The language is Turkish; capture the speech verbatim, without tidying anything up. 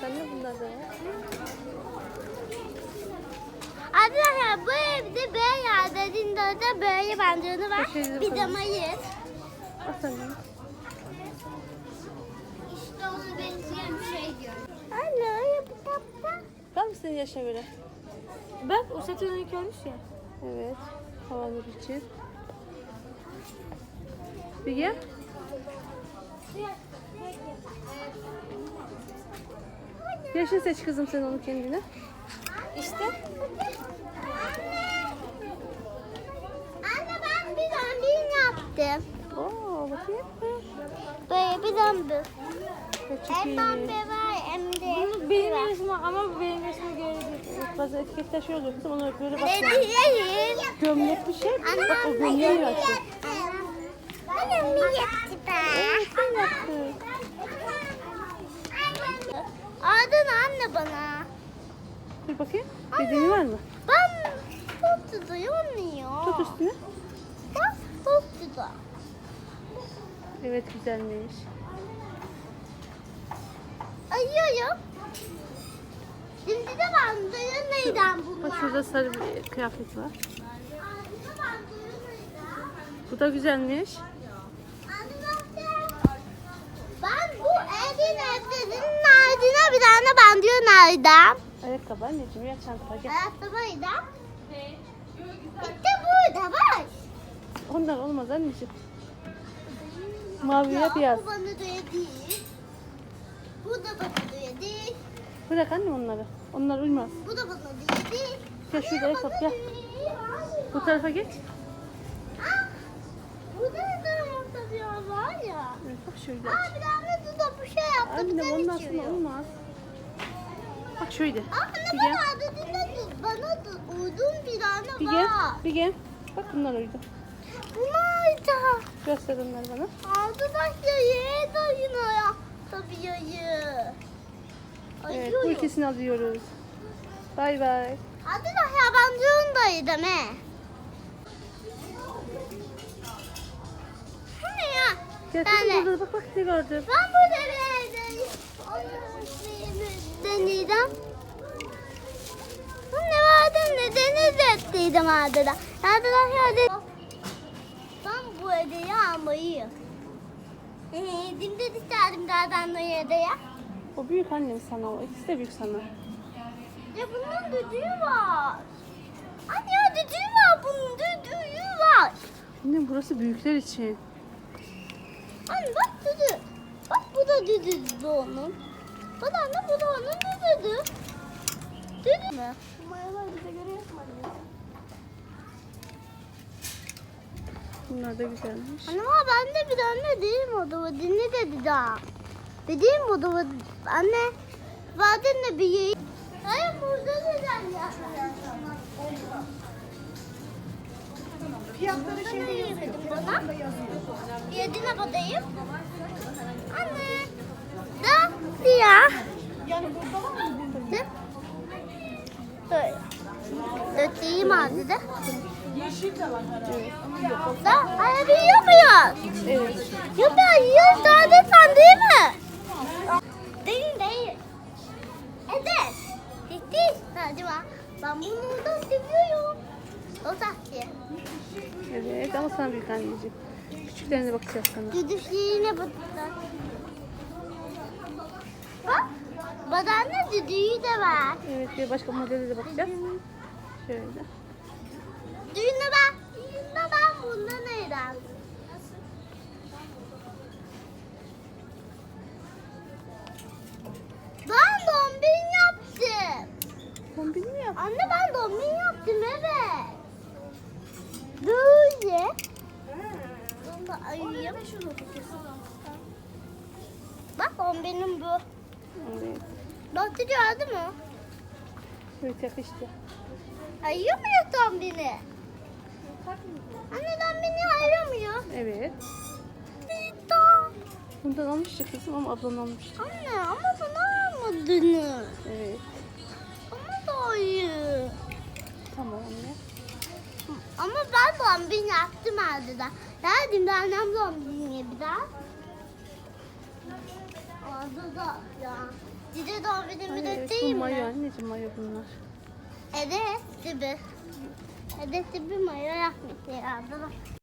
Bak anne bunlar da var. Arkadaşlar bu evde böyle yerlerinde de böyle bandırını var. Köşeleri Bir falan. de mayıs. Bak anne. İşte ona benzeyen bir şey diyorum. Anne bu kitapta. Var mı senin yaşa göre? Bak o satırını görmüş ya. Evet. Havalar için. Bir gel. Yaşını seç kızım sen onu kendine. İşte. Anne ben bir zombi yaptım. Oo bakayım. Böyle bir zombi. Evet, çok Hem iyi. zombi var hem de. Bunu benim resmim ama bu benim resmime göre değil. Evet, bazı etiketler şöyle oluyor kızım. Ona böyle bak. Ne diyeyim? Gömlek bir şey. Bak o gömleği açtı. Annem mi yaptı ben? Evet sen yaptın. Adın anne bana. Dur bakayım. Bedeni var mı? Ben çok tutuyor. Tut üstüne. Bak çok tutuyor. Evet güzelmiş. Ayıyorum. Şimdi de bandırı neyden bunlar? Bak şurada sarı bir kıyafet var. Bandırı bandırı neyden? Bu da güzelmiş. Ben bu evin evlerinin ardına bir tane bandırı nereden? Ayakkabı anneciğim ya çantaya gel. Ayakkabıyla. İşte burada var. Onlar olmaz anneciğim. Mavi ya beyaz. Bu bana göre değil. Bu da bana göre değil. Bırak anne onları. Onlar uymaz. Bu da bana göre değil. Gel şurada ayakkabı gel. Bu Bu tarafa geç. Burada da ayakkabı var ya. Evet, bak şöyle Aa aç. bir tane de bu şey yaptı. Anne bir ondan tane sonra içiyor. olmaz. Bak şöyle. Anne Bir bana gel. adetinde bana da uygun bir tane Bir gel. var. Bir gel. Bak bunlar uydu. Bunlar da. Göster onları bana. Arkadaşlar yere dayına ya. Tabii yayı. Evet bu ikisini alıyoruz. Bay bay. Arkadaşlar ben zorundaydım he. Bu ne ya? Gel Ben kızım de. burada bak bak ne gördüm. Ben burada bir evdeyim. Onun deneyeceğim. Bu ne vardı ne deniz ettiydim adada. Arkadaşlar de. Ben bu hediyeyi almayı. Eee dimde isterdim zaten o hediye. O büyük annem sana o. İkisi de büyük sana. Ya bunun düdüğü var. Anne ya düdüğü var bunun düdüğü var. Annem burası büyükler için. Anne bak düdüğü. Bak bu da düdüğü onun. Bak anne bu da onun düdüğü. Düdüğü mü? Mayalar bize göre yapmadı. Bunlar da güzelmiş. Anne ama ben de bir tane değilim odama. Dinle dedi daha. Dediğim odama. Anne. Zaten de bir yeri. Hayır burada neden ya? Fiyatları şimdi yemedim bana. Yedine badayım. Anne. Da ya. Yani burada var mı? Ne? Böyle. Öteyim ağzı da. Yeşil de var herhalde. Da hayır bir yapıyor. Evet. Yapıyor. Yiyor sadece sen değil mi? Değil değil. Evet. Ciddi. Hadi bak. Ben bunu oradan seviyorum. O sahte. Evet ama sana büyük anneciğim. Küçüklerine bakacağız sana. Düdüşlerine baktılar. Bak. Badanda düdüğü de var. Evet bir başka modele de bakacağız. Şöyle. Düğüne bak. Düğüne ben bunda neyden? Ben dombin yaptım. Kombin mi yap? Anne ben dombin yaptım evet. Böyle. Bunu da ayırayım. Bak dombinim bu. Evet. Doktor gördü mü? Evet yakıştı. Ayırıyor muyuz dombini? Anne dombini ayıramıyor. Evet. Bita. Bundan almıştı kızım ama ablan almıştı. Anne ama bana almadınız. Evet. Ama da ayı. Tamam anne. Ama ben dombin yaptım ardından. Geldim de annem dombini bir daha. Orada da ya. Cici doğum günü Ay, de evet, değil bu mayo mi? anneciğim, mayo bunlar. Evet, gibi. Evet, gibi mayo yapmış ya.